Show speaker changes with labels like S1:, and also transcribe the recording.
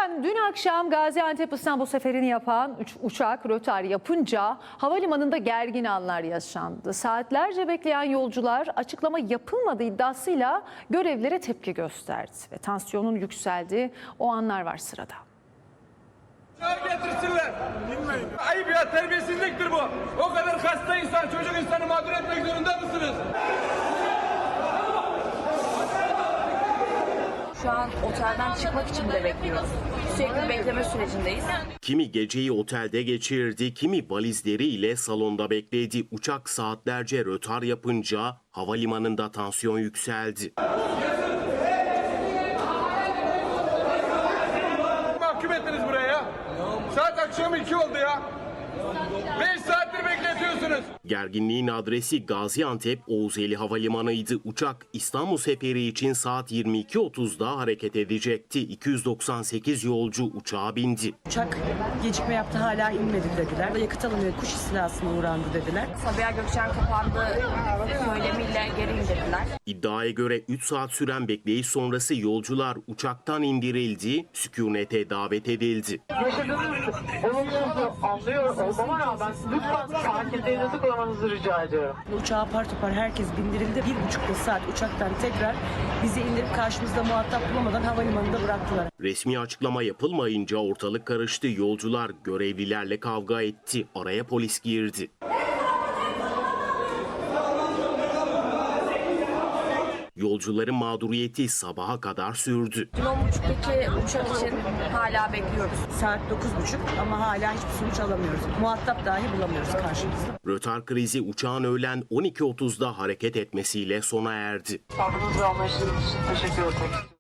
S1: Efendim dün akşam Gaziantep-İstanbul seferini yapan uçak rötar yapınca havalimanında gergin anlar yaşandı. Saatlerce bekleyen yolcular açıklama yapılmadığı iddiasıyla görevlilere tepki gösterdi. Ve tansiyonun yükseldiği o anlar var sırada.
S2: Getirsinler. Ayıp ya, terbiyesizliktir bu. O kadar hasta insan, çocuk insanı mağdur etmek zorunda mısınız?
S3: Şu an otelden çıkmak için de bekliyoruz. Sürekli bekleme sürecindeyiz.
S4: Kimi geceyi otelde geçirdi, kimi valizleriyle salonda bekledi. Uçak saatlerce rötar yapınca havalimanında tansiyon yükseldi.
S2: Mahkum ettiniz buraya ya. Saat akşam 2 oldu ya. 5 saattir bekletiyorsunuz.
S4: Gerginliğin adresi Gaziantep Oğuzeli Havalimanı'ydı. Uçak İstanbul seferi için saat 22.30'da hareket edecekti. 298 yolcu uçağa bindi.
S5: Uçak gecikme yaptı, hala inmedi dediler. Yakıt alınıyor, kuş istilasına uğrandı dediler.
S3: Sabiha Gökçen kapandı söylemiyle geri indirdiler.
S4: İddiaya göre 3 saat süren bekleyiş sonrası yolcular uçaktan indirildi, sükunete davet edildi.
S6: Yaşadığınız olumsuzluğu anlıyor olmama rağmen lütfen sakinliğinizi korumanızı rica ediyorum.
S5: Uçağa apar topar herkes bindirildi. 1,5 saat uçaktan tekrar bizi indirip karşımızda muhatap bulamadan havalimanında bıraktılar.
S4: Resmi açıklama yapılmayınca ortalık karıştı. Yolcular görevlilerle kavga etti. Araya polis girdi. Yolcuların mağduriyeti sabaha kadar sürdü.
S3: 10.30'daki uçak için hala bekliyoruz.
S5: Saat 9.30 ama hala hiçbir sonuç alamıyoruz. Muhatap dahi bulamıyoruz karşımızda.
S4: Rötar krizi uçağın öğlen 12.30'da hareket etmesiyle sona erdi.
S6: Sabrınız ve anlayışınız için teşekkür ederim.